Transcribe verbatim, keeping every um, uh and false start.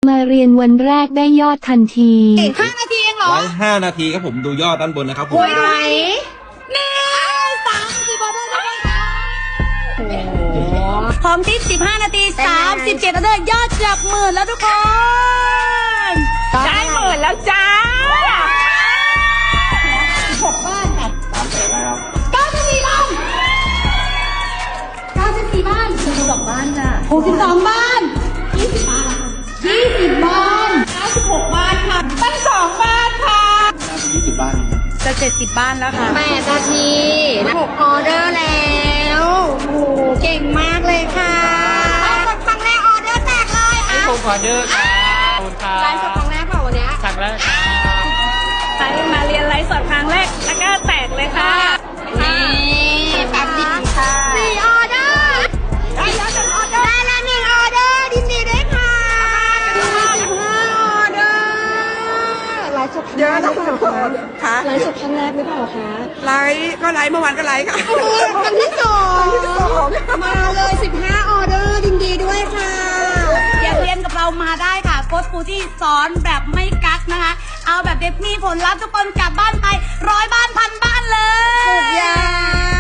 มาเรียนวันแรกได้ยอดทันทีห้านาทีเองเหรอไว้ห้านาทีครับผมดูยอดด้านบนนะครับผมโอ้ยไหนหนึ่งสามสี่บอลได้ไหมคะโอ้โหพร้อมที่สิบห้านาทีสามสิบเจ็ดนาทียอดจับหมื่นแล้วทุกคนได้หมื่นแล้วจ้าหกบ้านค่ะสามแสนแล้วเก้าสิบสี่บ้านเก้าสิบสี่บ้านหกสิบสองบ้านจ้ะหกสิบสองบ้านยี่สิบบ้านยี่สิบบ้านเก้าสิบหกบ้านค่ะตั้งสองบ้านค่ะน่าจะยี่สิบบ้านจะเจ็ดสิบบ้านแล้วค่ะแปดนาทีหกออเดอร์แล้วโอ้โหเก่งมากเลยค่ะไลฟ์สดครั้งแรกออเดอร์แตกเลยอ่ะผมขอเดอร์ครับขอบคุณครับไลฟ์สดครั้งแรกเปล่าวันเนี้ยครั้งแรกครับใครมาเรียนไลฟ์สดครั้งแรกแล้วก็แตกเลยค่ะนี่แป๊บเดียวค่ะสี่ออเดอร์ได้แล้วหนึ่งออเดอร์ได้แล้วหนึ่งออเดอร์ยินดีด้วยค่ะสิบห้าออเดอร์ไลฟ์สดเยอะนะค่ะค่ะไลฟ์สดครั้งแรกหรือเปล่าคะไลฟ์ก็ไลฟ์เมื่อวานก็ไลฟ์ค่ะครั้งที่สองมาเลยสิบห้าออเดอร์ยินดีด้วยค่ะอยากเรียนกับเรามาได้ค่ะโค้ชครูที่สอนแบบไม่กักนะคะ เอาแบบเด็กมีผลลัพธ์ทุกคนกลับบ้านไปร้อยบ้านพันบ้านเลยสุดยอด